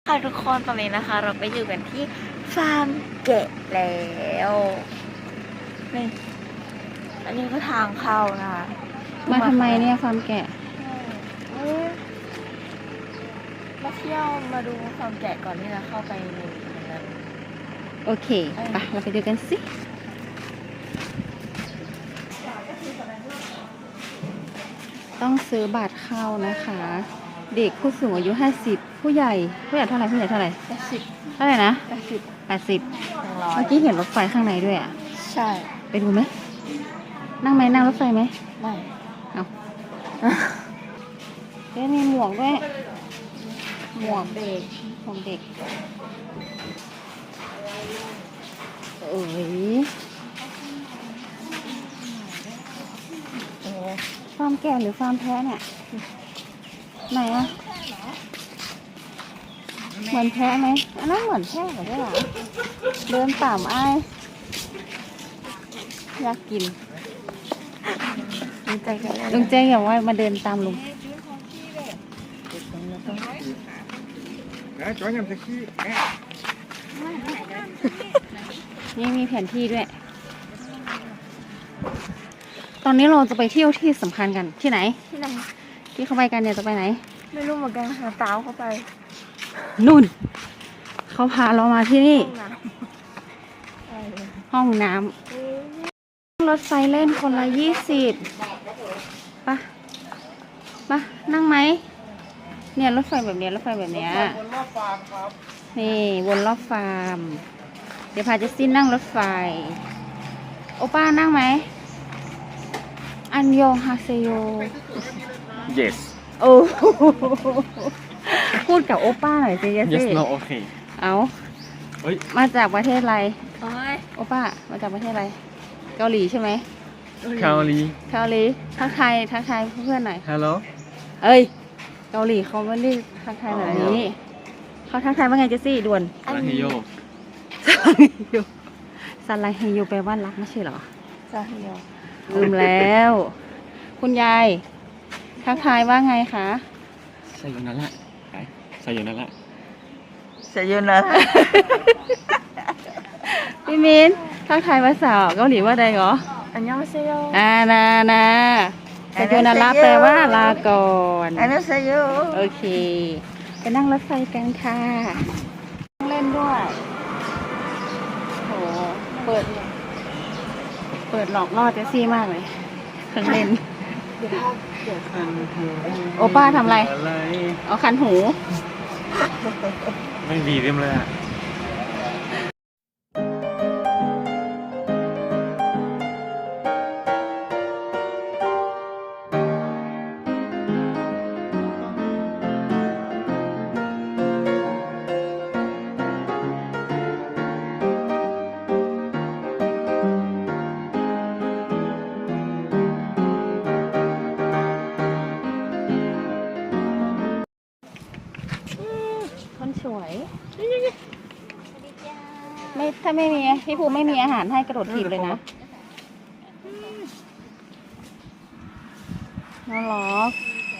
ค่ะทุกคนตอนนี้นะคะ เราไปอยู่กันที่ฟาร์มแกะแล้วนี่อันนี้ก็ทางเข้านะคะมาทำไมเนี่ยฟาร์มแกะมาเที่ยวมาดูฟาร์มแกะก่อนที่จะเข้าไปในนั้นโอเคไปเราไปดูกันสิต้องซื้อบัตรเข้านะคะ เด็กผู้สูงอายุ50ผู้ใหญ่เท่าไหร่ผู้ใหญ่เท่าไหร่เท่าไหร่นะ80เมื่อกี้เห็นรถไฟข้างในด้วยอ่ะใช่ไปดูไหมนั่งรถไฟไหมไม่เอาเดี๋ยวมีหมวกด้วยหมวกเด็กเอ้ยฟาร์มแกะหรือฟาร์มแพะเนี่ยไหนอะเหมือนแพะไหมอันนั้นเหมือนแพะเหรอเดินตามอ้ายอยากกินลุงเจ๊อย่างว่ามาเดินตามลุงนี่มีแผนที่ด้วยตอนนี้เราจะไปเที่ยวที่สำคัญกันที่ไหนที่เขาไปกันเนี่ยจะไปไหนไม่รู้เหมือนกันหาตาวเข้าไปนู่นเขาพาเรามาที่นี่ห้องน้ำรถไฟเล่นคนละ20ปะนั่งไหมเนี่ยรถไฟแบบเนี้ยนี่วนรอบฟาร์มเดี๋ยวพาเจสซี่นั่งรถไฟโอป้านั่งไหมอันยองฮาเซโย Yes โอ้พูดกับโอป้าหน่อยสิเจสซี่ Yes no okay เอามาจากประเทศอะไรโอป้ามาจากประเทศอะไรเกาหลีใช่ไหมเกาหลีทักทายเพื่อนหน่อย Hello เอ้ยเกาหลีเขาไม่ได้ทักทายแบบนี้เขาทักทายว่าไงเจสซี่ด่วนซาลาเฮโยซาลาเฮโยแปลว่ารักไม่ใช่เหรอซาฮิโยลืมแล้วคุณยายทักทายว่าไงคะใส่อยู่นั่นแหละใส่อยู่นั่นแหละพี่มินทักทายภาษาเกาหลีว่าใดเหรออันยองเซโยนาซาโยนาระแปลว่าลาก่อนอันนั้นเซโยโอเคไปนั่งรถไฟกันค่ะเล่นด้วยโหเปิดหลอกล่อเจสซี่มากเลยเครื่องเล่นโอป้าทำอะไรเอาคันหูไม่ดีเต็มเลยอ่ะคนสวยไม่ถ้าไม่มีพี่ภูไม่มีอาหารให้กระโดดถีบเลยนะน่ารัก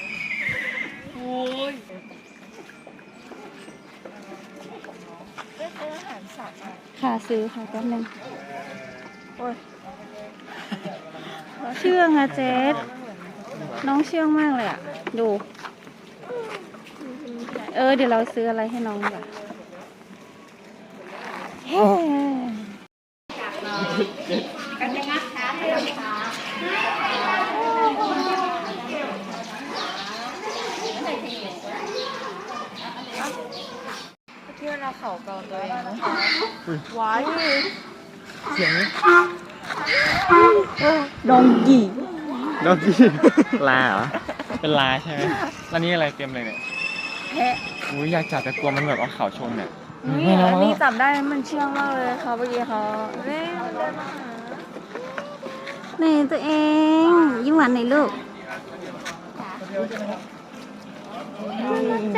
ค่ะซื้อค่ะแป๊บนึงเชื่องอะเจสน้องเชื่องมากเลยอะดูเดี๋ยวเราซื้ออะไรให้น้องก่อนที่เราเข่าเกาตัวเองว้ายเสียงดองกี่ลาเหรอเป็นลาใช่ไหมแล้วนี่อะไรเต็มเลยเนี่ยแพะอยากจับแต่กลัวมันแบบเอาเข่าชนเนี่ยนี่อันนี้จับได้มันเชื่องมากเลยค่ะเมื่อกี้เขานี่ตัวเองยิ้มหวานหน่อยลูก